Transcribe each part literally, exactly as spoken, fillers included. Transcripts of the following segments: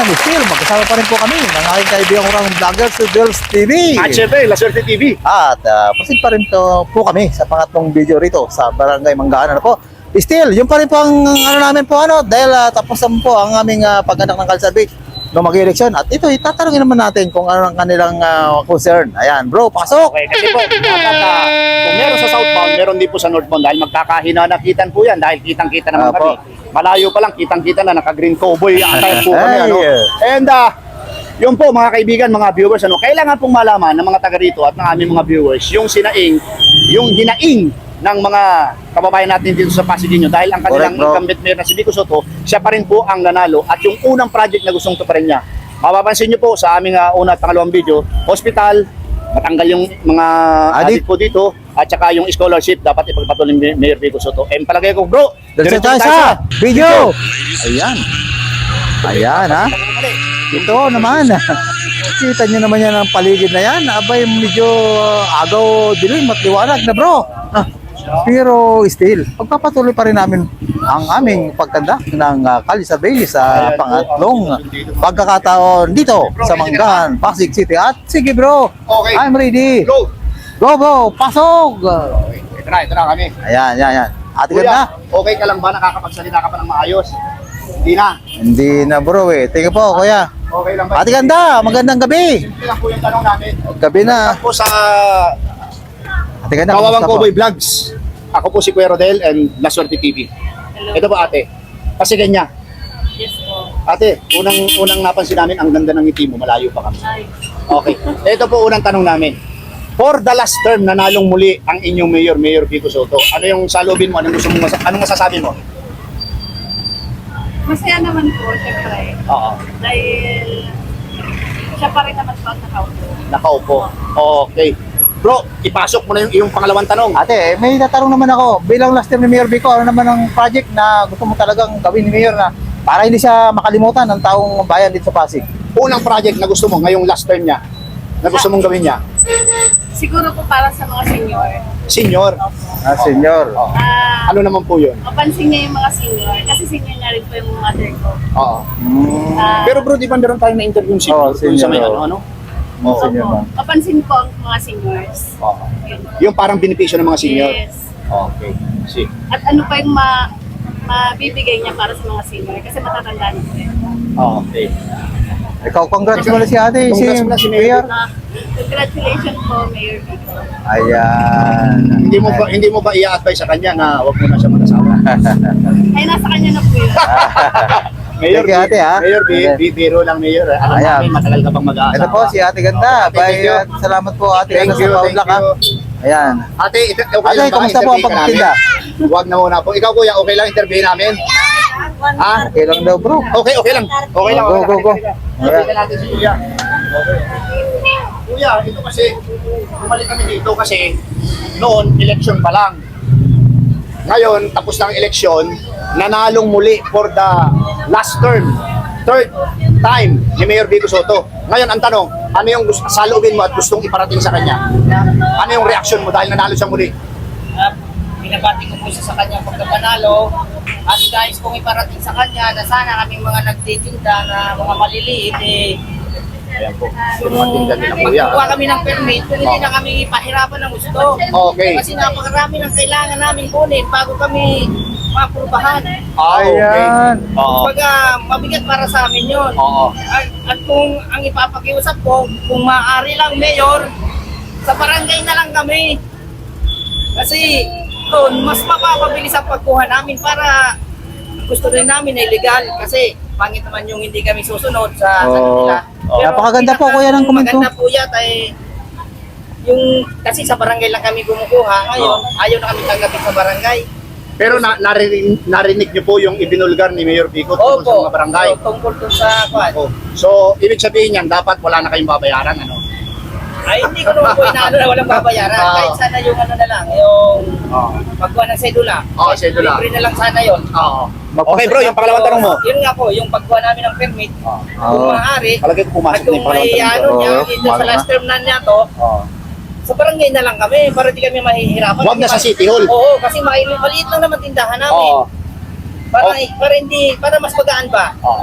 Ayan, still, magkasama pa rin po kami ng aking kaibigang urang vlogger si Girls T V. At syempre, La Suerte T V. At uh, proceed pa rin to, po kami sa pangatlong video rito sa Barangay Manggaan. Ano po? Still, yung pa rin po ang ano namin po ano, dahil uh, tapos na po ang aming uh, pag-anak ng Kalsabik no mag-eleksyon. At ito, itatanungin naman natin kung ano ang kanilang uh, concern. Ayan, bro, pasok! Okay, kasi po, dapat uh, kung meron sa southbound, meron din po sa northbound dahil magkakahina-nakitan po yan dahil kitang-kita naman Apo. kami. Malayo pa lang, kitang-kita na, naka-green cowboy atay po kami. Ay, Ano? yeah. And uh, yun po mga kaibigan, mga viewers, ano, kailangan pong malaman ng mga taga rito at ng aming mga viewers yung sinaing, yung hinaing ng mga kababayan natin dito sa Pasigueño dahil ang kanilang Correct, bro. incumbent mayor na si Vico Soto, siya pa rin po ang nanalo at yung unang project na gustong tuparin niya. Mapapansin niyo po sa aming uh, una at pangalawang video, hospital, matanggal yung mga Adik. adik po dito at saka yung scholarship dapat ipagpatuloy ni Mayor Vico Soto. Eh palagay ko bro, Diretso tayo sa video! Ayan. Ayan, ha? Ito naman. Kita nyo naman yan ang paligid na yan. Abay, medyo uh, agaw dilim at liwanag na bro. Ah, pero still, pagpapatuloy pa rin namin ang aming pagkanda ng uh, Kali Survey sa pangatlong pagkakataon dito sa Manggaan, Pasig City. At sige bro, Okay. I'm ready. Go! Go bro, pasok! Okay, ito na, ito na kami. Ayan, ayan, ayan. Ate Kuya, ganda? okay ka lang ba? Nakakapagsalita ka pa ng maayos? Hindi na. Hindi na bro eh. Tingnan po kuya. Okay lang ba? Ate ganda, magandang gabi. Simple lang po yung tanong namin. Gabi na. Ako sa Ate ganda, Kawawang kamusta po? Cowboy Vlogs. Ako po si Kuya Rodel and La Suerte T V. Ito po ate. Kasi ganyan. Yes po. Ate, unang unang napansin namin ang ganda ng ngiti mo, malayo pa kami. Ay, Okay. Ito po unang tanong namin. For the last term, nanalong muli ang inyong mayor, Mayor Vico Soto. Ano yung salubin mo? Anong gusto mo? Masa- anong masasabi mo? masaya naman po, syempre. Oo. Dahil siya pa rin naman po ang nakaupo. Nakaupo. Okay. Bro, ipasok mo na yung iyong pangalawang tanong. Ate, may tatanong naman ako. Bilang last term ni Mayor Vico, ano naman ang project na gusto mo talagang gawin ni Mayor na para hindi siya makalimutan ng taong bayan dito sa Pasig? Unang project na gusto mo ngayong last term niya, na gusto mong gawin niya? Siguro po para sa mga senior. Senior. Ah, senyor. Oo. Ah, Ano naman po yun? mapansin niya yung mga senior. Kasi senior na rin po yung mother ko. Oo. Mm. Ah, Pero bro, di ba meron tayong na-interview si Oo, Dun sa may senior. ano, ano? Oh, opo, senyor ba? mapansin ko ang mga seniors. Oo. Yun. Yung parang benepisyo ng mga senior. Yes. Okay. See. At ano pa yung ma mabibigay niya para sa mga senior? Kasi matatanda na po eh. Okay. Ikaw, congrats mo na si ate. Congrats mo na si Mayor. Ah, congratulations po, Mayor Vico. Ayan. Hindi mo ba hindi mo ba i-advise sa kanya na wag mo na siya mag-asawa? Ay, nasa kanya na po yun. Mayor, Thank you, ate, ha? Mayor, bi, bi, biro lang Mayor. Alam Ayan. namin matagal ka pang mag-aasawa. Ito po si ate ganda. Okay, thank Bye. you. At salamat po ate Thank ganda you, sa thank Paulak ha. you. Ayan. Ate, ito, okay Ate, lang ba? kamusta po ang Interview ka pagtitinda? namin? Wag na muna po. Ikaw kuya, okay lang interview namin? Ha? Okay lang daw bro. Okay, okay lang. Okay lang. Go, okay go, lang. go. Interview na natin si Kuya. Okay. Kuya, ito kasi, bumalik kami dito kasi noon, election pa lang. Ngayon, tapos na ang eleksyon, nanalong muli for the last term. Third time ni Mayor Vico Soto. Ngayon, ang tanong, ano yung gusto, saloobin mo at gustong iparating sa kanya? Ano yung reaction mo dahil nanalo siya muli? Uh, binabati ko po siya sa kanyang pagkapanalo at guys kung iparating sa kanya na sana kaming mga nagtitinda na mga maliliit eh Ayan po. kung Tumatinda din ang kuya. magkukuha kami ng permit kung hindi na kami ipahirapan ng gusto Okay. kasi napakarami ng kailangan namin kunin bago kami maprubahan Ah, okay. Ayan. Oo. kumbaga mabigat para sa amin yun Oo. at, at kung ang ipapakiusap ko kung maaari lang mayor sa barangay na lang kami kasi doon, mas mapapabilis ang pagkuha namin para gusto rin namin na illegal kasi pangit naman yung hindi kami susunod sa, sa Oh. kanila. Oh. Napakaganda po, kuya, ng komento. Maganda po yata eh, yung, kasi sa barangay lang kami kumukuha, ngayon ayaw na kami tanggapin sa barangay. Pero na, narinig, narinig niyo po yung ibinulgar ni Mayor Vico tungkol sa mga barangay. Oo, tungkol dun sa kwan. Oh. So, ibig sabihin niyan, dapat wala na kayong babayaran, ano? Ay, hindi ko naman po inaano na walang babayaran. Oo. Kahit sana yung ano na lang, yung Oo. pagkuha ng sedula. Oo, sedula. Libre na lang sana yun. Oo. Okay bro, yung pangalawang tanong mo. So, yun nga po, yung pagkuha namin ng permit, Oo. kung Oo. maaari, Palagay ko pumasok at na kung yung pangalawang may tanong ano ko. niya, Oo, dito sa kumara last term na niya to, Oo. sa barangay na lang kami, para di kami mahihirapan. Huwag na sa City Hall. Oo, kasi maliit, maliit lang naman tindahan namin. Oo. Para, Oh. para hindi, para mas magaan ba? Oo.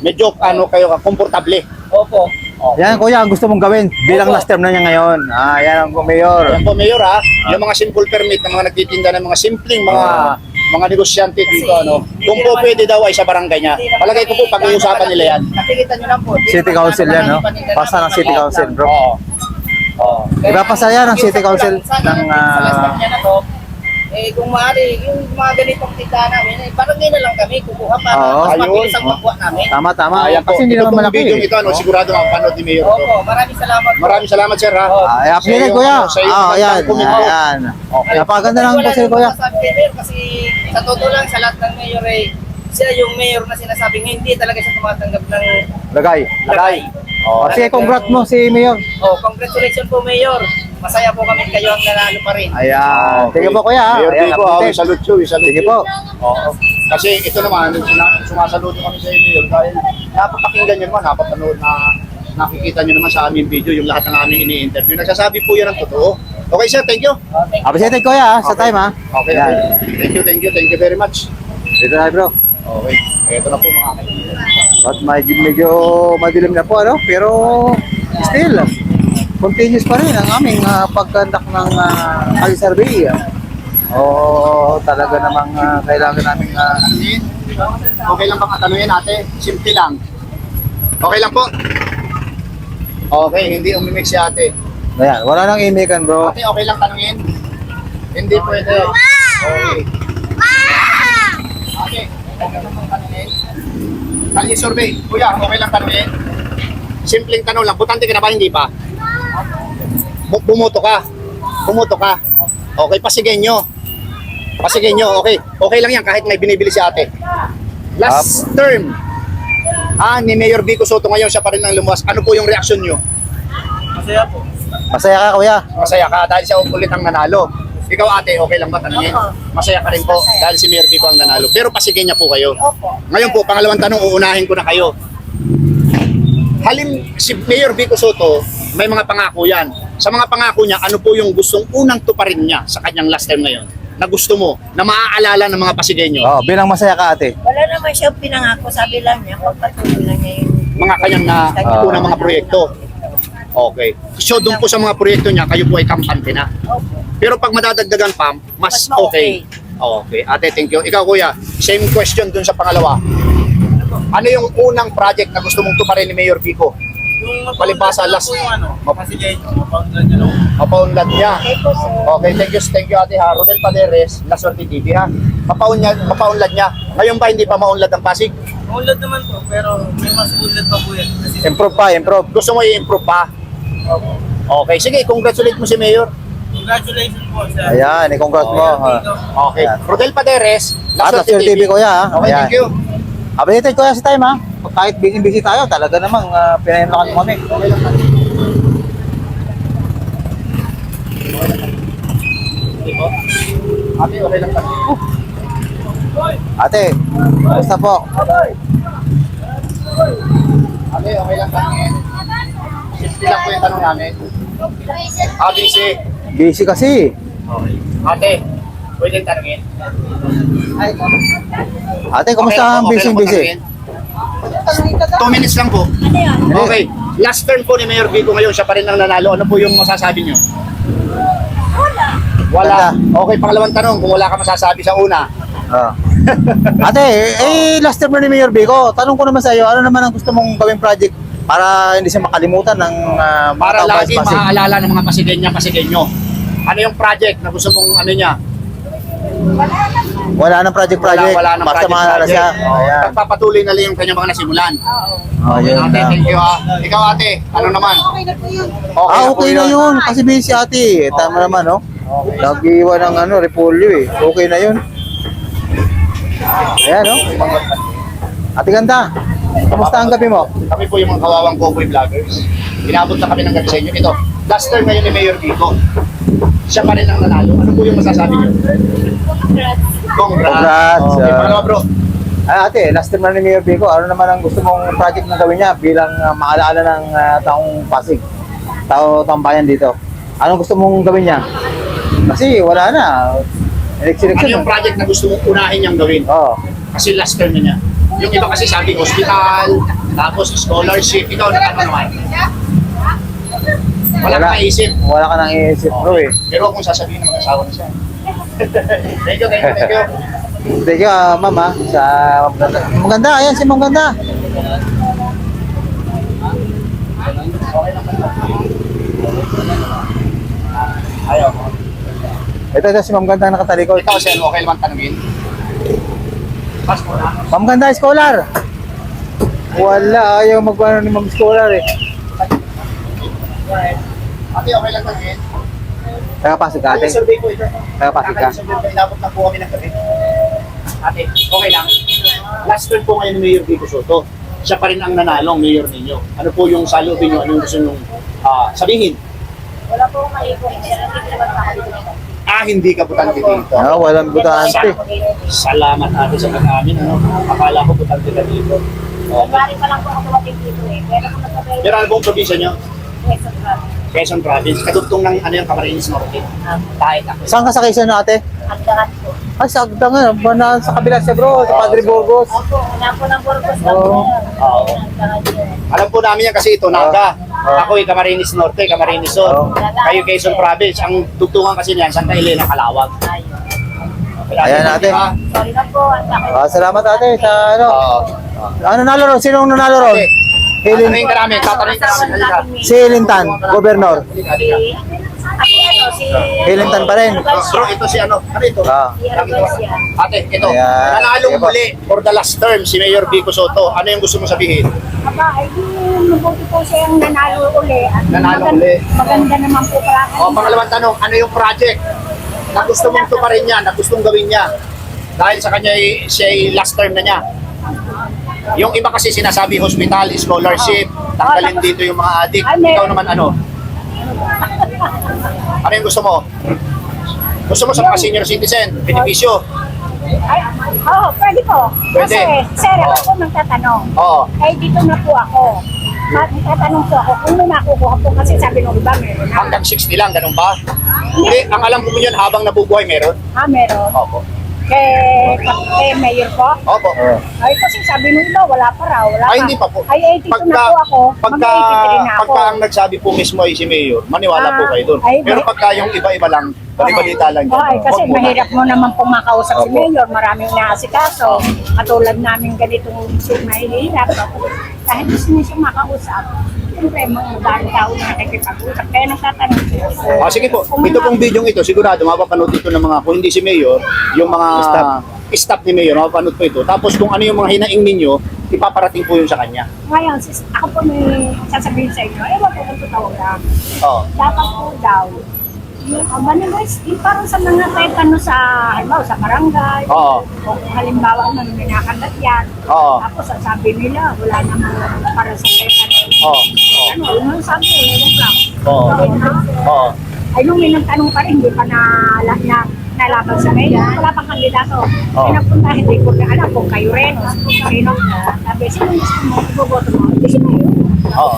medyo ano kayo, komportable. Opo. Okay. Yan kuya, ang gusto mong gawin bilang Opo. last term na niya ngayon. Ah, yan ang mayor. Yan po, Mayor ha, yung mga simple permit ng mga nagtitinda ng mga simpleng mga mga negosyante dito, ano, kung po pwede daw ay sa barangay niya. Palagay ko po, pag-uusapan nila yan. Nakikita nyo lang po. di City naman Council yan, no? paninda Pasa ng namin, City maliit Council, lang. bro. Oo. Oo. Iba pa saya ng City Council Sana ng, sa last ah, time niya na to, eh kung maaari, yung mga ganitong tindahan namin, eh, barangay na lang kami kukuha para Oo. mas mabilis Ayun. ang pagkuha namin. Tama, tama. Ayan po, Kasi hindi ito naman pong malaki. video eh. ito, ano, sigurado mapapanood ni Mayor ito. Opo, maraming salamat po. Maraming salamat, sir ha. Oo. Ah, i-update Sa iyong- kuya. sa iyong Ah, ayan. magandang komento. Ayan. Okay. Napakaganda ng Wala kasi nang kuya. masasabi kay Mayor kasi sa totoo lang sa lahat ng mayor eh, siya yung mayor na sinasabing hindi talaga siya tumatanggap ng Lagay. lagay. Oh, sige, congrats mo si Mayor. Oh, congratulations po Mayor. Masaya po kami kayo ang nanalo pa rin. Ayan. Sige po kuya. Mayor Ayan, Vico, ah, update. we salute you, we salute Sige you. po. Oo. Kasi ito naman, sina- sumasaludo kami sa inyo dahil napapakinggan nyo naman, napapanood na nakikita nyo naman sa aming video yung lahat ng aming ini-interview. Nagsasabi po yan ang totoo. Okay sir, thank you. Oh, thank you. Appreciate kuya ah, sa Okay. time ha. Okay, Ayan. okay. Thank you, thank you, thank you very much. Dito na bro. Okay, ito na po mga kaibigan. At medyo, medyo madilim na po ano, pero still continuous pa rin ang aming uh, pagkandak ng uh, kali survey. Oo, talaga namang ah, kailangan namin uh, Okay lang bang tanungin ate? Simple lang. Okay lang po? Okay, hindi umimik si ate. ayan, wala nang imikan bro. Ate, okay lang tanungin? Hindi pwede. Okay. Ate, okay lang bang tanungin? Kali survey. Kuya, okay lang tanungin? Simpleng tanong lang. Butante ka na ba? Hindi pa? Bu- Bumoto ka. Bumoto ka. Okay, pasigyan nyo. Pasigyan nyo, okay. Okay lang yan kahit may binibili si ate. Last term, ah, ni Mayor Vico Soto ngayon, siya pa rin ang lumuwas. Ano po yung reaksyon nyo? Masaya po. Masaya ka kuya. Masaya ka dahil siya ulit ang nanalo. Ikaw ate, okay lang ba tanongin? Masaya ka rin po dahil si Mayor Vico ang nanalo. Pero pasigyan niya po kayo. Opo. Ngayon po, pangalawang tanong, uunahin ko na kayo. Halim si Mayor Vico Soto, may mga pangako yan. Sa mga pangako niya, ano po yung gustong unang tuparin niya sa kanyang last term ngayon? Na gusto mo, na maaalala ng mga Pasigenyo, Oh, bilang masaya ka ate. Wala naman siya pinangako, sabi lang niya, pagpatuloy lang niya yung... mga kanyang na Ah. unang mga proyekto. Okay. So doon po sa mga proyekto niya, kayo po ay kampante na. Opo. Pero pag madadagdagan pa, mas Mas ma-okay. okay. Okay. Ate, thank you. Ikaw kuya, same question dun sa pangalawa. Ano yung unang project na gusto mong tuparin ni Mayor Vico? Yung Palibasa, last- yung ano, Pasigenyo, mapaunlad nyo lang. Mapaunlad niya. Okay po, sir. Okay, thank you, thank you Ate ha. Rodel Paderes, La Suerte T V ha. Mapaunlad, mapaunlad niya. Ngayon ba hindi pa maunlad ang Pasig? Maunlad naman po, pero may mas unlad pa po yan. Kasi Improve pa, improve. Gusto mo i-improve pa? Opo. Okay, sige, congratulate mo si Mayor. Congratulations po sa... Ayan, i-congrats mo. ah. Okay. Ayan. Rodel Paderes, La At La Suerte Suerte T V kuya ha. Okay, Ayan. thank you. Updated kuya sa time ha. Kahit busy-busy tayo, talaga namang uh, pinahimlakan mo kami. Okay lang tayo. Okay po. Ate, okay lang tayo. Ate, basta po. Ate, okay lang tayo. Simple lang po yung tanong namin. A B C. Busy kasi. Okay. Ate, pwede tanongin? Ate, kumusta ang busy-busy? Two minutes lang po. Ano yan? Okay. Last turn po ni Mayor Vico ngayon, siya pa rin ang nanalo. Ano po yung masasabi nyo? Wala. Wala. Okay, pangalawang tanong, kung wala ka masasabi sa una. Ah. Ate, eh, last term na ni Mayor Vico, tanong ko naman sa iyo, ano naman ang gusto mong gawing project para hindi siya makalimutan ng uh, mga Para taong lagi Pasig? maaalala ng mga Pasigenya, Pasigenyo. Ano yung project na gusto mong ano niya? Wala nang project-project, Wala, wala ng basta project, maalala siya. project. Oh, Ayan. Pagpapatuloy na lang yung kanyang mga nasimulan. Oo. Oh, yun Ate, na. thank you ha. Ikaw ate, ano naman? Okay na po yun. Ah, po okay na yun. Kasi busy ate. Tama naman, no? Nag-iwan ng ano, repolyo eh. Okay na yun. Ayan, no? Ate ganda. Kamusta ang gabi mo? Kami po yung mga kawawang cowboy vloggers. Inabot na kami ng gabi sa inyo. Ito, last term ngayon ni Mayor Vico. Siya pa rin ang nanalo. Ano po yung masasabi niyo? Congrats. Congrats. Congrats, Okay, ah. pangalawa bro. Ay, ate, last term na ni Mayor Vico, ano naman ang gusto mong project na gawin niya bilang uh, maalaala ng uh, taong Pasig, tao tambayan dito? Anong gusto mong gawin niya? Kasi wala na. Ano Election-election. yung project na gusto mong unahin niyang gawin? Oo. Kasi last term na niya. Yung iba kasi sabi hospital, tapos scholarship. Ikaw, ano naman? Wala ka naisip. Wala ka nang iisip bro eh. Pero kung sasabihin ng mag-asawa na siya. Thank you, thank you, thank you. Thank you, ah, ma'am ah, sa maganda. Maganda, ayan si maganda. Ayaw. Ito, ito si ma'am ganda nakatalikod. Ikaw, Sen, okay naman tanungin? Pas mo na. Ma'am ganda, scholar. Wala, ayaw magwano ni ma'am scholar eh. Ate, okay lang tanungin? Nakapasok ka ate. Ate, survey ko ito. Nakapasok ka. Survey ko, inabot na po kami ng gabi. Ate, okay lang. Last turn po ngayon ni Mayor Vico Soto. Siya pa rin ang nanalong mayor ninyo. Ano po yung salubin nyo? Ano yung gusto nyo ah, sabihin? Wala po akong mali po. Pero hindi naman ako dito. Ah, hindi ka butante dito. Ah, walang butante. Salamat ate sa pag-amin. Ano? Akala ko butante ka dito. Okay. January pa lang po ako dumating dito eh. Pero kung nagsabi, Pero ano pong probinsya nyo? Quezon Province. Quezon Province. Kadugtong ng ano yung Camarines Norte. Kahit ako. Saan ka sa Quezon no, ate? Agdangan po. Ah, sa Agdangan. Bana sa kabila siya bro, sa Padre Burgos. Opo, wala po ng Burgos lang Oo. po. Oo. Agdangan yun. Alam po namin yan kasi ito, Naga. Oo. Ako ay Camarines Norte, Camarines Sur. Oo. Kayo Quezon Province. Ang tugtungan kasi niyan, Santa Elena, Calawag. Ayun. Ayan, ate. Sorry na po. Ang sakit. Ah, salamat ate sa ano. Oo. Ano nalo ron? Sinong nanalo ron? Ate, Hilin, tatanungin ka namin, tatanungin ka namin. Halika. si Hilintan, gobernador. Halika, halika. Si, ano, si... Hilintan pa rin. Bro, ito si ano? Ano ito? Ah. Si Argoncia. Ate, ito. Ayan. Nanalong Sige po. muli for the last term si Mayor Vico Soto. Ano yung gusto mo sabihin? Aba, ay di, mabuti po siyang nanalo uli. At Nanalo maganda, uli. maganda naman po pala. O, pangalawang tanong, ano yung project na gusto mong tuparin niya, na gustong gawin niya? Dahil sa kanya, ay- siya ay last term na niya. Yung iba kasi sinasabi hospital, scholarship, tanggalin dito yung mga adik. Ikaw naman ano? Ano yung gusto mo? Gusto mo sa mga senior citizen, benepisyo? Ay, oo, pwede po. Pwede. Kasi, sir, ako Oo. po magtatanong. Oo. Ay, dito na po ako. Magtatanong po ako kung may nakukuha po kasi sabi nung iba meron na. Hanggang sixty lang, ganun ba? Hindi, ang alam ko yun, habang nabubuhay meron. Ah, meron. Opo. Kay, kay Mayor po. Opo. Oh. Ay, kasi sabi nung iba, wala pa raw. Wala Ay, pa. hindi pa po. Ay, eighty-two na po ako. Pagka, Mag-eighty-three na ako. pagka ang nagsabi po mismo ay si Mayor, maniwala Ah, po kayo doon. ay, Pero may- pagka yung iba-iba lang, balibalita lang Oo, ay, kasi Huwag muna. mahirap mo naman pong makausap si Opo. Mayor. Maraming naasikaso. Katulad namin ganitong si mahihirap. Kahit gusto niya siyang makausap, siyempre, mga dahil tao na nakikipag-usap. Kaya nagtatanong siya. Ah, sige po. Kung Ito mga- pong video ito, sigurado mapapanood ito ng mga, kung hindi si Mayor, yung mga Staff. staff ni Mayor, mapapanood po ito. Tapos kung ano yung mga hinaing ninyo, ipaparating po yun sa kanya. Ngayon, sis, ako po may sasabihin sa inyo, ewan ko kung totoo lang. Oo. Dapat po daw, yung uh, guys, yung parang sa mga tetano sa, halimbawa, sa barangay, Oo. o kung halimbawa nang minakagat yan, Oo. tapos sasabi nila, wala namang para sa tetano. Oo. Ano, yun ang sabi, ewan lang. Oo. Ayun na. Oo. Ay, nung may nagtanong pa rin, hindi pa na, na, na nalaban sa mayor, wala pang kandidato. Oo. Pinapunta, hindi ko na alam kung kayo rin, o sino. Sabi, sino gusto mo, iboboto mo? Hindi si mayor. Oo.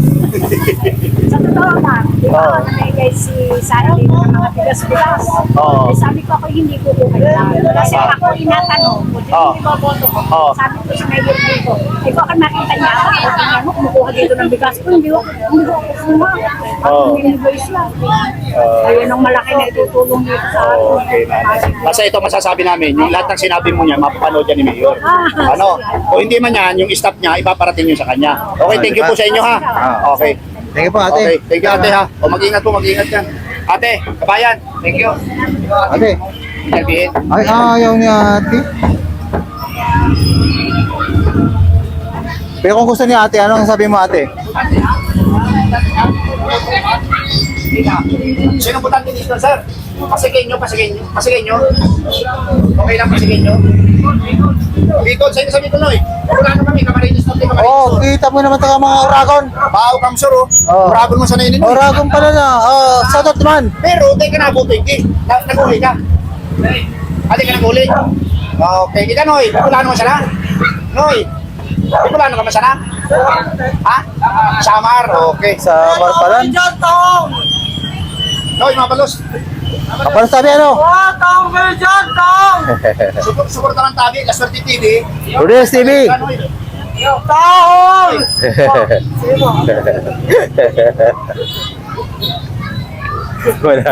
Sa totoo lang, di ba, Oo. namigay si Sara dito ng mga bigas-bigas. Oo. Eh, sabi ko ako hindi ko kukuha. Kasi Oo. ako inatanong, kung sino Oo. yung iboboto ko. Oo. Sabi ko sa mayor dito, eh baka makita niya ako, kung tingnan mo, kumukuha dito ng bigas ko, hindi ko, hindi ko kukuha. Ako Oo. minibay siya. Oo. Ayun ang malaki na itutulong dito sa akin. Okay, nanay. Basta ito masasabi namin, yung lahat ng sinabi mo niya, mapapanood yan ni Mayor. Ano? O hindi man yan, yung staff niya, ipaparating yun sa kanya. Okay, thank you po sa inyo ha. Okay. Thank you po ate. Okay, thank you ate ha. O mag-ingat po, mag-ingat yan. Ate, kabayan, thank you. Ate. Interviewin. Ay, ayaw niya ate. Pero kung gusto niya ate, ano ang sabi mo ate? Sino butante dito, sir? Pasigin nyo, pasigin nyo, pasigin nyo. Okay lang, pasigin nyo. Bicol, sa'yo sa Bicol, Noy. Wala na kami, Camarines Norte, Camarines Oh, Sur. kita mo naman taga mga Oragon. Bao, Kamsur, oh. Oo. Uragon mo sa nainin. Oragon pala na. Oh, shout out naman. Pero, di ka nabuto, hindi. Na- Nag-uli ka. Ate ka nag-uli. Okay, ika, Noy. Bicolano ka sana? Noy. Bicolano ka ba sana? Ha? Samar, okay. Sa Marpalan. Noy, mga palos. Kapag sabi ano? Support, support ng tabi, La Suerte T V. Rodriguez T V. Ano yun? Wala.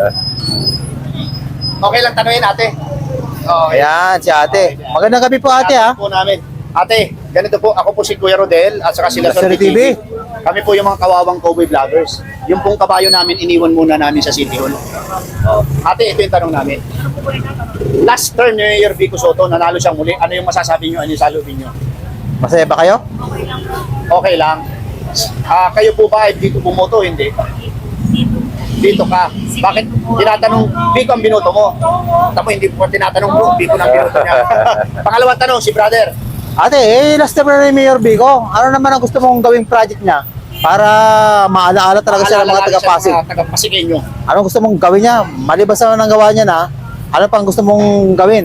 Okay lang tanungin ate. Okay. Ayan, si ate. Magandang gabi po ate ha. Po namin. Ate, ganito po, ako po si Kuya Rodel at saka si La La Suerte Suerte T V. Kami po yung mga kawawang cowboy vloggers. Yung pong kabayo namin, iniwan muna namin sa City Hall. Oh. Ate, ito yung tanong namin. Last term ni Mayor Vico Soto, nanalo siyang muli. Ano yung masasabi niyo? Ano yung salubin niyo? Masaya ba kayo? Okay lang. Ah, kayo po ba ay dito bumoto? Hindi. Dito ka. Bakit? Tinatanong, Vico ang binoto mo. Tapos hindi po tinatanong mo, Vico ang binoto niya. Pangalawang tanong, si brother. Ate, eh, last time na ni Mayor Vico, ano naman ang gusto mong gawing project niya para maalaala talaga siya ng mga taga-Pasig? Mga taga-Pasigenyo. Anong gusto mong gawin niya? Maliban sa nang gawa niya na, ano pang gusto mong gawin?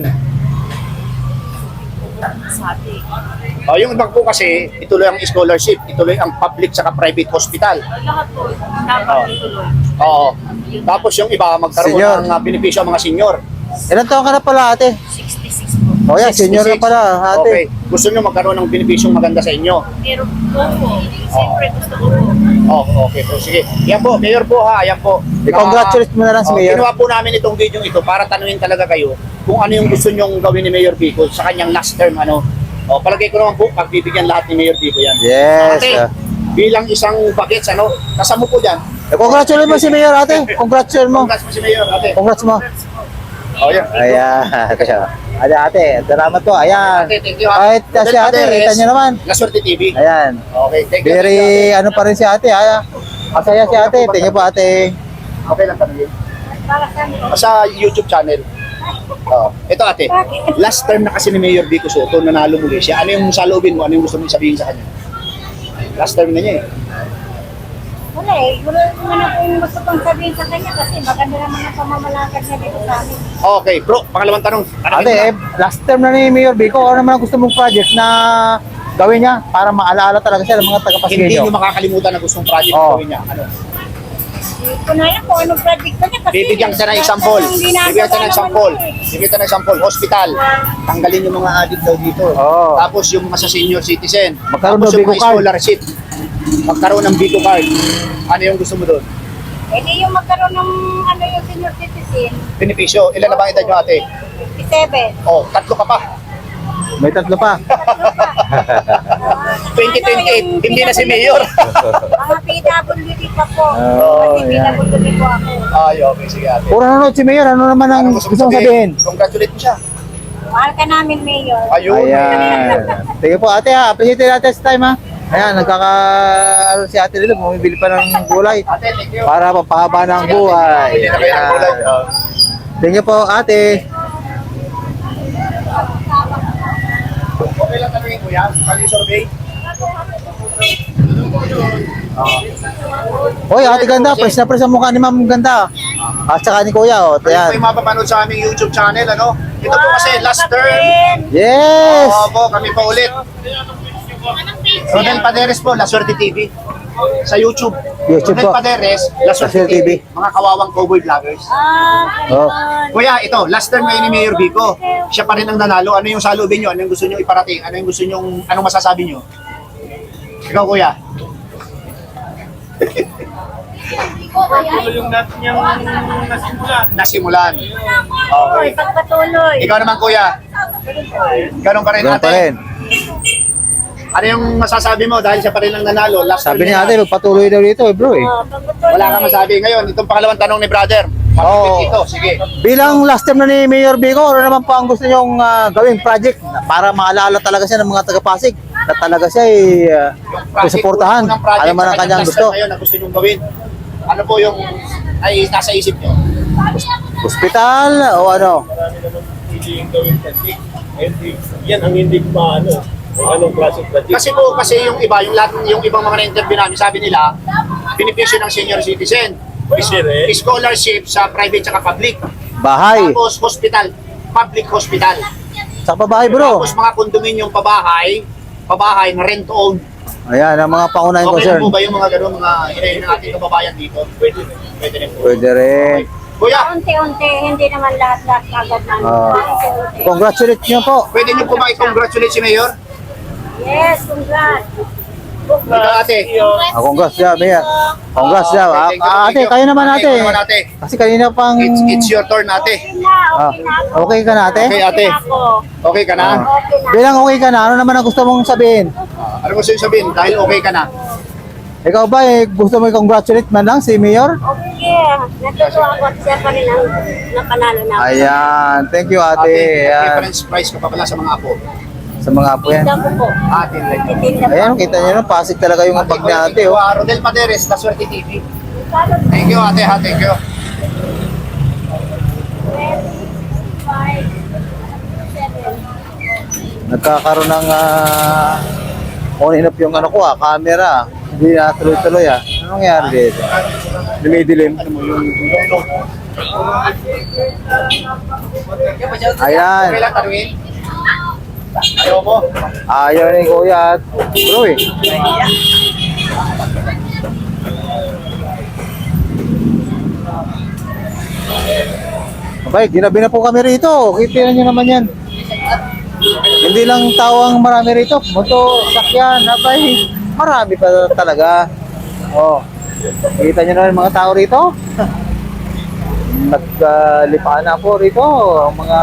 Sabi. Oh, yung ibang po kasi, ituloy ang scholarship, ituloy ang public saka private hospital. Lahat po, dapat ituloy. Oo. Tapos yung iba, magkaroon Senior. ng uh, benepisyo ang mga senior. Ilan taon ka na pala ate? sixty-six po. O yan, senior na sixty-six. pala Okay. ate. Gusto nyo magkaroon ng benepisyong maganda sa inyo. Pero po po, siyempre gusto ko po. Oh, okay po. Sige. Yan po, Mayor po ha, yan po. I-congratulate mo na lang si Oh, Mayor. Ginawa po namin itong video ito para tanungin talaga kayo kung ano yung gusto nyong gawin ni Mayor Vico sa kanyang last term. Ano. Oh, palagay ko naman po, pagbibigyan lahat ni Mayor Vico yan. Yes. Ate, ah. bilang isang bagets, ano, kasama po dyan. I-congratulate mo si Mayor ate. Congratulate mo. Congrats po si Mayor, ate. Congrats mo. Oh, yan. Ayan. Ate, ate, salamat po. Ayan. Ate, thank you. Kahit uh, si ate, kita niyo naman. La Suerte T V. Ayan. Okay, thank you. Very, thank you, ate. ano pa rin si ate. Ay, masaya si ate. Thank you po ate. Okay lang tanongin. Para saan po? Sa YouTube channel. Oh, ito ate. Last term na kasi ni Mayor Vico Soto, nanalo muli siya. Ano yung saloobin mo? Ano yung gusto mong sabihin sa kanya? Last term na niya eh. Wala eh, wala naman ako yung gusto kong sabihin sa kanya kasi maganda naman ang pamamalakad niya dito sa amin. Okay, bro, pangalawang tanong. Tanongin Ate, mo na. eh, last term na ni Mayor Vico, ano naman ang gusto mong project na gawin niya para maalaala talaga siya ng mga Hindi taga-Pasigueño? nyo makakalimutan na gustong project Oo. na gawin niya. Ano? Hindi ko na yan kung anong project ko niya kasi Bibigyan kita ng example. Bibigyan kita ng example. Bibigyan kita ng example. Hospital. Tanggalin yung mga addict daw dito. Oo. Tapos yung mga sa senior citizen. Magkaroon Tapos ng yung Bigo mga card. scholarship. Magkaroon ng Bigo card. Ano yung gusto mo doon? Eh di yung magkaroon ng ano yung senior citizen, Benepisyo. Ilan na ba ang edad nyo ate? fifty-seven. Oh, tatlo ka pa. May tatlo pa. twenty twenty-eight. Hindi na si Mayor. Mga P W D pa po. Oh, Kasi yan. P W D po ako. Ay, okay. Sige ate. Puro nanonood si Mayor, ano naman ang Ano gusto mong sabihin? Congratulate mo siya. Mahal ka namin, Mayor. Ayun. Ayan. Sige po ate ha, appreciate natin sa time ha. Ayan, nagkaka ano si ate dito, bumibili pa ng gulay Ate, thank you. para papahaba ng buhay. Hindi na kayo ng gulay. Ayan. Oh. Thank you po ate. Okay lang tanongin ko yan. Kali survey. Hoy, ate ganda, press na press ang mukha ni Ma'am ganda. At saka ni Kuya, oh. Kayo po Ayan. yung mapapanood sa aming YouTube channel, ano? Ito po kasi last term. Yes! Oo po, kami pa ulit. Rodel Paderes po, La Suerte T V. Sa YouTube. YouTube Rodel po. Paderes, La Suerte La Suerte T V. T V. Mga kawawang cowboy vloggers. Ah, Oh. Kuya, ito, last term ngayon ni Mayor Vico. Siya pa rin ang nanalo. Ano yung salubin nyo? Ano yung gusto nyo iparating? Ano yung gusto nyo, anong masasabi nyo? Ikaw, kuya. yung natin yung nasimulan. Nasimulan. Oy, Okay. pagpatuloy. Ikaw naman, kuya. Ganun pa rin, Ganun pa ate. rin. Ano yung masasabi mo dahil siya pa rin ang nanalo? Last Sabi term ni niya. ate, magpatuloy daw dito eh bro eh. Oh, pagpatuloy. Wala kang masabi. Ngayon, itong pangalawang tanong ni brother. Oo. Mapipit ito. Sige. Bilang last time na ni Mayor Vico, ano naman po ang gusto niyong ah, gawing project para maalala talaga siya ng mga taga-Pasig na talaga siya ay uh, Project, susuportahan. unang project Ano man sa ang kanyang last gusto. term Ngayon, na gusto nyong gawin. Ano po yung ay nasa isip nyo? Hospital o ano? Marami naman hindi yung gawin project. Hindi, yan ang hindi ko maano. Kung anong klase ng project. Kasi po, kasi yung iba, yung, lahat, yung ibang mga na-interview namin, sabi nila, benepisyo ng senior citizen. Kasi rin, Scholarship sa private at public. Bahay. Tapos hospital, public hospital. Sa pabahay bro. Tapos mga kondominium pabahay, pabahay na rent-owned. Ayan, ang mga pangunahing Okay concern. na po ba yung mga gano'n, mga hinayin ng ating kababayan dito? Pwede rin. Pwede rin po. Pwede rin. Kuya, Unti-unti, hindi naman lahat-lahat kagad na. Ah. Unti-unti. Congratulate niyo po. pwede niyo po makikongratulate si Mayor? Yes, congrats. Ikaw, ate. Ah, congrats siya, Mayor. Congrats siya. Ah, Thank you, ah, thank ate, you. kayo naman Ate, ate. ikaw naman, ate. Kasi kanina pang... It's, it's your turn, ate. Okay na, Ah, okay na ako. okay ka na ate? Okay, ate. Okay na ako. Okay ka na? Ah. Okay na. Bilang okay ka na, ano naman ang gusto mong sabihin? Ano gusto yung sabihin? Dahil okay ka na. Ikaw ba eh, gusto mo i-congratulate man lang si Mayor? Okay, natutuwa ako at siya pa rin ang napanalo na. Ayan, thank you ate. Ate, Ayan, reference price ko pa pala sa mga apo. sa mga apo yan. Tinda ko po. Ate, like. Titinda po. Ayan, kita nyo na, pasig talaga yung bag ni ate. Oh. Rodel Paderes, La Suerte T V. Thank you, ate, ha, thank you. Nagkakaroon ng uh, on and off yung ano ko ah, camera. Hindi na tuloy-tuloy ah. Ano nangyari dito? Dumidilim. Ayan. Okay lang, tanungin. Ayaw mo. Ayaw ni Kuya at bro eh. Okay, ginabi na po kami rito. Kita nyo naman yan. Hindi lang tao ang marami rito. Moto, sakyan, abay. Marami pa talaga. Oh. Kita nyo naman mga tao rito. Naglipaan na po rito. Ang mga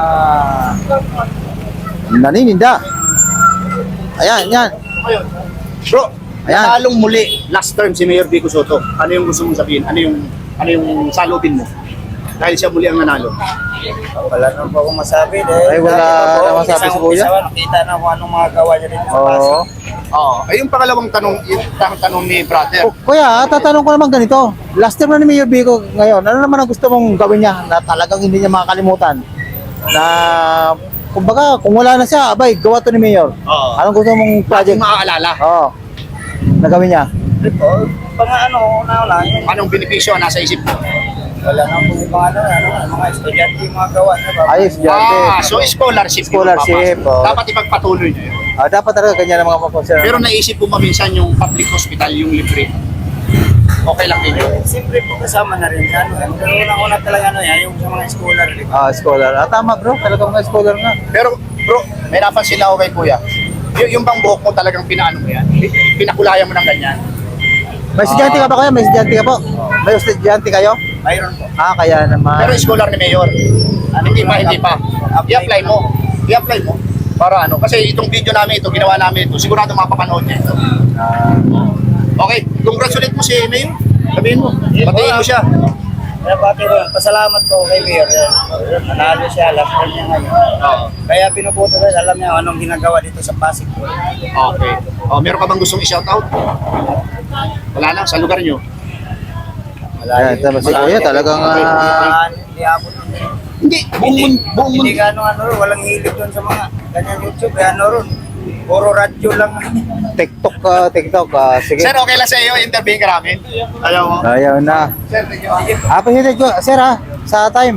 nanininda. Ayan, yan. Ayun. Bro, Ayan. nanalong muli last term si Mayor Vico Soto. Ano yung gusto mong sabihin? Ano yung ano yung salubin mo? Dahil siya muli ang nanalo. Wala naman po akong masabi dahil Ay, wala dati pa po, na masabi si Kuya? umpisa-umpisa, nakita na kung anong mga gawa niya dito sa Oo. Pasig. Oo. Ay, yung pangalawang tanong, yung tanong, tanong ni brother. Oh, kuya, tatanong ko naman ganito. Last time na ni Mayor Vico ngayon, ano naman ang gusto mong gawin niya na talagang hindi niya makakalimutan? Na, kumbaga, kung wala na siya, abay, gawa to ni Mayor. Oo. Anong gusto mong project? Project maaalala. Oo. Na gawin niya? Ito, pang ano, una-una, yun, Anong benepisyo nasa isip mo? wala naman po yung mga ano, ano, mga estudyante yung mga gawa niya. Ba? Ayos, Jante. Ah, so scholarship. yung Scholarship, papasok. oo. Dapat ipagpatuloy niyo yun. Ah, dapat talaga ganyan ang mga papunsa. Pero naisip po maminsan yung public hospital, yung libre. Okay lang ninyo. Siyempre po kasama na rin siya. Ano, pero unang-una talaga ano yan, yung sa mga scholar, di ba? Ah, scholar. Ah, tama bro, talagang mga scholar nga. Pero bro, may napansin ako kay kuya. Y- yung bang buhok mo talagang pinaano mo yan? Pinakulayan mo ng ganyan. May estudyante ka ba kayo? May estudyante ka po? May estudyante kayo? Mayroon po. Ah, kaya naman. Pero scholar ni Mayor. Hindi pa, hindi pa. I-apply mo. I-apply mo. Para ano, kasi itong video namin ito, ginawa namin ito, sigurado mapapanood niya ito. Ah, Okay, congratulate mo si Mayor. Sabihin mo, patiin mo siya. Kaya pati ko, pasalamat ko kay Mayor. Nanalo siya, last time niya ngayon. Oo. Kaya pinuputo ko, alam niya anong ginagawa dito sa Pasig. Okay. Oh, meron ka bang gustong i-shoutout? Wala na, sa lugar niyo. ayan, tama si Kuya, talagang ah, Hindi abot. Hindi, buong mundo. Buong Hindi mundo. ka ano, ano, walang hilig doon sa mga ganyan YouTube. Kaya ano ron, puro radyo lang. TikTok, ah, TikTok. ah, sige. Sir, okay lang sa iyo, interviewin ka namin. Ayaw mo. Ayaw na. Sir, thank you. Appreciate ko, sir ha, sa time.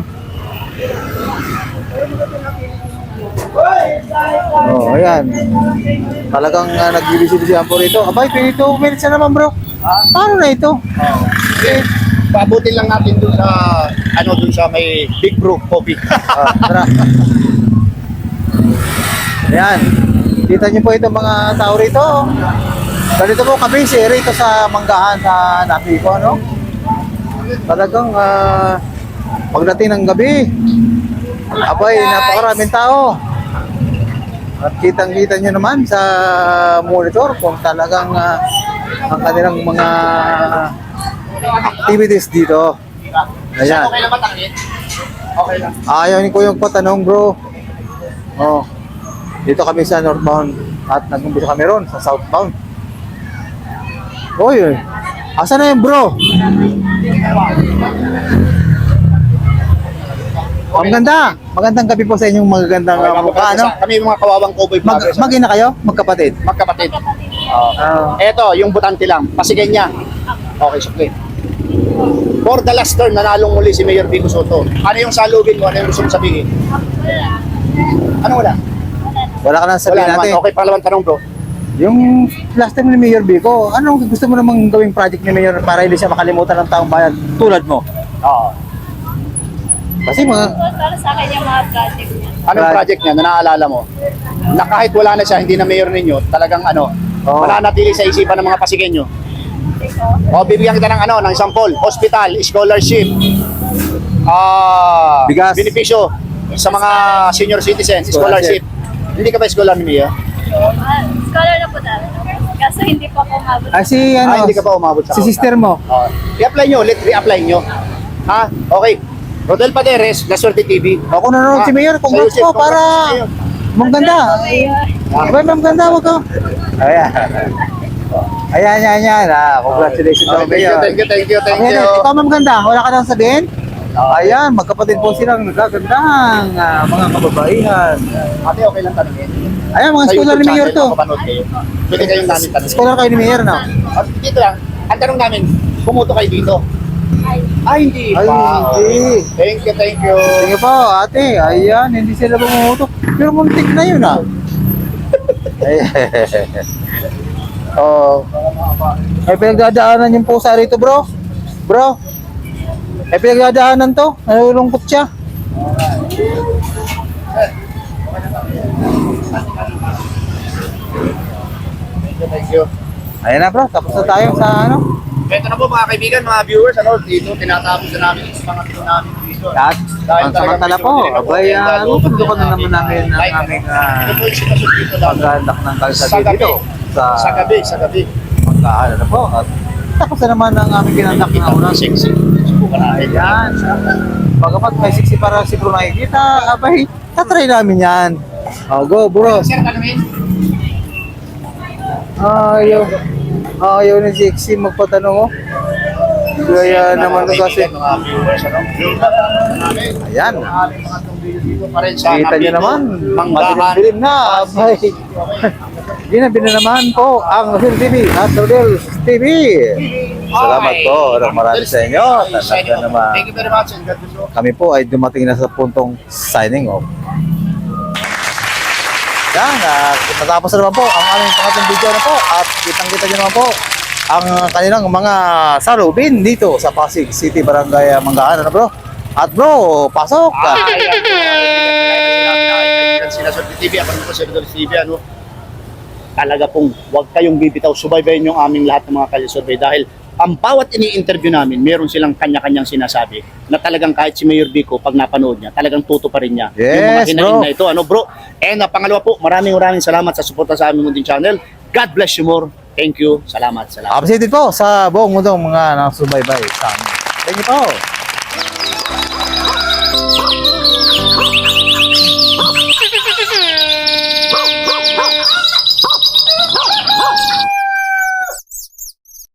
Oh, ayan. Talagang uh, nag-ibig-ibig po rito. Abay, twenty-two minutes na naman bro. Paano na ito? Okay. Paabutin lang natin dun sa, ano, dun sa may Big Brew Coffee. Ah, tara. Ayan. Kita niyo po itong mga tao rito. Ganito po kami si rito sa Manggahan sa Napico, ano? Talagang ah, pagdating ng gabi, abay, napakaraming tao. At kitang-kita nyo naman sa monitor kung talagang ah, ang kanilang mga activities dito. Sir, Ayan. okay lang ba tangin? Okay lang. Ayaw ni Kuya patanong bro. Oh. Dito kami sa northbound at nag-umpisa kami ron sa southbound. Oy, asan na yung bro? Ang ganda. Magandang gabi po sa inyong magagandang Okay, uh, mukha, ano? Kami yung mga kawawang cowboy Mag vloggers. magina kayo? Magkapatid? Magkapatid. Ah. Eto, yung butante lang. Pasigyan niya. Okay, sukli. For the last term, nanalong muli si Mayor Vico Soto. Ano yung salubin mo? Ano yung gusto mong sabihin? Ano wala? Wala ka nang Wala sabihin naman. natin. Okay, pangalawang tanong bro. Yung last time ni Mayor Vico, anong gusto mo namang gawing project ni Mayor para hindi siya makalimutan ng taong bayan tulad mo? Oo. Kasi mga, Para sa akin yung mga project niya. Anong project niya na naaalala mo? Na kahit wala na siya, hindi na mayor ninyo, talagang ano, Oo. mananatili sa isipan ng mga Pasigenyo. O, bibigyan kita ng ano, ng example, hospital, scholarship, ah, Bigas. benepisyo sa mga senior citizens, Scholarship. scholarship. Hindi ka ba scholar ni Mia? Ah, scholar na po dami. Kaso hindi po ako umabot. ah, si ano, Ah, hindi ka pa umabot sa si sister mo. Oh, i-apply nyo ulit, re-apply nyo. Ha? Okay. Rodel Paderes, La Suerte T V. Ako nanonood si Mayor, congrats Sa'yo, po Chef, para congrats sa'yo. maganda. Abay, maganda, wag ka. Ayan. Ayan, ayan, ayan. Ah, congratulations Okay, sa thank you, Mayor. thank you, thank you, thank Ayan, you. ikaw ma'am ganda, wala ka nang sabihin? Ayan, magkapatid po silang nagagandang ah, mga kababaihan. Ate, okay lang tanongin. Ayan, mga Sa scholar YouTube ni Mayor channel, to. makapanood kayo. Pwede kayong namin tanongin. Scholar kayo ni Mayor, no? Ah, dito lang, ang tanong namin, pumoto kayo dito. Ay, hindi Ay, pa. hindi. Thank you, thank you. Sige po, ate. Ayan, hindi sila bumutok. Pero muntik na yun, ah. Oh. Ay, pinagdadaanan yung pusa rito, bro. Bro. Ay, pinagdadaanan to. Nalulungkot siya. Thank you, thank you. Ayan na, bro. Tapos na tayo sa ano. Ito na po mga kaibigan, mga viewers, ano, dito tinatapos na namin yung mga video namin dito. At Dahil ang samantala talagang po, medyo abay, dinamo, uh, lalo, tutukan na naman namin ang Like, aming uh, ito po yung sitwasyon dito lalo. paggandak ng Sa kalsada gabi, dito. Sa, sa gabi, sa gabi. Magkaano na po. At tapos na naman ang aming ginandak Nakita na ko una. na sexy. Subukan natin. Ayan. Bagamat may siksi para si bro nakikita, abay, tatry namin yan. Oh, go bro. Sir, tanongin. Ayaw. Ayaw ni siksi magpatanong oh. Kaya naman to kasi. Mga viewers, ano? Ayan. Ang aming mga itong video dito pa rin sa Kita nyo naman, Manggahan. madilim-dilim na. Abay. Ginabi na naman po ang Rodel T V at Rodel T V. Salamat po. Marami sa inyo. Talaga naman. Thank you very much and God bless you. Kami po ay dumating na sa puntong signing off. Yan, at natapos na naman po ang aming pangatlong video na po at kitang-kita nyo naman po ang kanilang mga salubin dito sa Pasig City, Barangay Manggahan, ano bro? At bro, pasok! Ah, ayan. Sila sa T V, ako naman po sa T V, ano? Talaga pong huwag kayong bibitaw, subaybayin yung aming lahat ng mga kalisurvey dahil ang bawat ini-interview namin, meron silang kanya-kanyang sinasabi na talagang kahit si Mayor Vico, pag napanood niya, talagang tuto pa rin niya. yung mga Yes, hinaing bro. na ito, ano bro? And uh, pangalawa po, maraming maraming salamat sa suporta sa aming munting channel. God bless you more. Thank you. Salamat, salamat. Appreciated po sa buong mundong mga nasubaybay sa amin. Thank you po!